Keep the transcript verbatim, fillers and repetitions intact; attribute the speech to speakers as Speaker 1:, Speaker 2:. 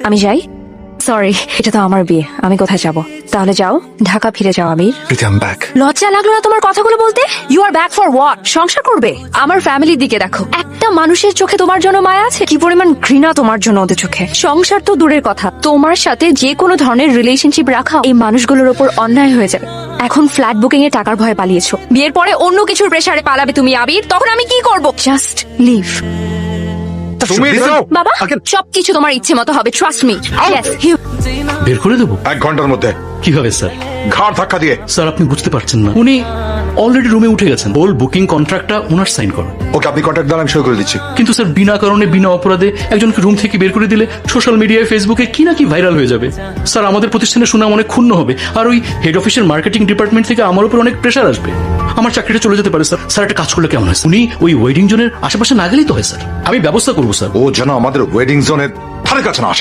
Speaker 1: আমি যাই। সরি, এটা তো আমার বিয়ে, আমি কোথায় যাব? তাহলে যাও, ঢাকা ফিরে যাও Amir.
Speaker 2: Preeti, I am back.
Speaker 1: লজ্জা লাগলো না তোমার কথাগুলো বলতে? You are back for what? সংসার করবে? আমার ফ্যামিলির দিকে দেখো, একটা মানুষের চোখে তোমার জন্য মায়া আছে? কি পরিমাণ ঘৃণা তোমার জন্য ওদের চোখে। সংসার তো দূরের কথা, তোমার সাথে যে কোনো ধরনের রিলেশনশিপ রাখা এই মানুষগুলোর উপর অন্যায় হয়ে যাবে। এখন ফ্ল্যাট বুকিং এ টাকার ভয়ে পালিয়েছো, বিয়ের পরে অন্য কিছুর প্রেসারে পালাবে তুমি আবির, তখন আমি কি করব? Just leave.
Speaker 2: তুমি যাও।
Speaker 1: বাবা, সবকিছু তোমার ইচ্ছে মতো হবে, ট্রাস্ট মি। ইয়েস,
Speaker 3: বের করে দেবো
Speaker 2: এক ঘন্টার মধ্যে।
Speaker 3: কিভাবে স্যার?
Speaker 2: ঘাড় ধাক্কা দিয়ে।
Speaker 3: স্যার আপনি বুঝতে পারছেন না, উনি অলরেডি রুমে উঠে গেছেন। ওল বুকিং কন্ট্রাক্টটা ওনার সাইন করো।
Speaker 2: ওকে, আপনি কন্ট্যাক্ট দেন, আমি সই করে দিচ্ছি।
Speaker 3: কিন্তু স্যার বিনা কারণে বিনা অপরাধে একজনকে রুম থেকে বের করে দিলে সোশ্যাল মিডিয়ায় ফেসবুকে কি না কি ভাইরাল হয়ে যাবে। স্যার আমাদের প্রতিষ্ঠানের সুনাম অনেক ক্ষুণ্ণ হবে, আর ওই হেড অফিসের মার্কেটিং ডিপার্টমেন্ট থেকে আমার উপর অনেক প্রেশার আসবে। আমার চাকরিটা চলে যেতে পারে স্যার। স্যার একটা কাজ করলে কেমন হয়? উনি ওই ওয়েডিং জোনের আশেপাশে না গেলেই তো হয় স্যার। আমি ব্যবস্থা করবো স্যার।
Speaker 2: ও যেন আমাদের ওয়েডিং জোনের ধারে কাছে না আসে।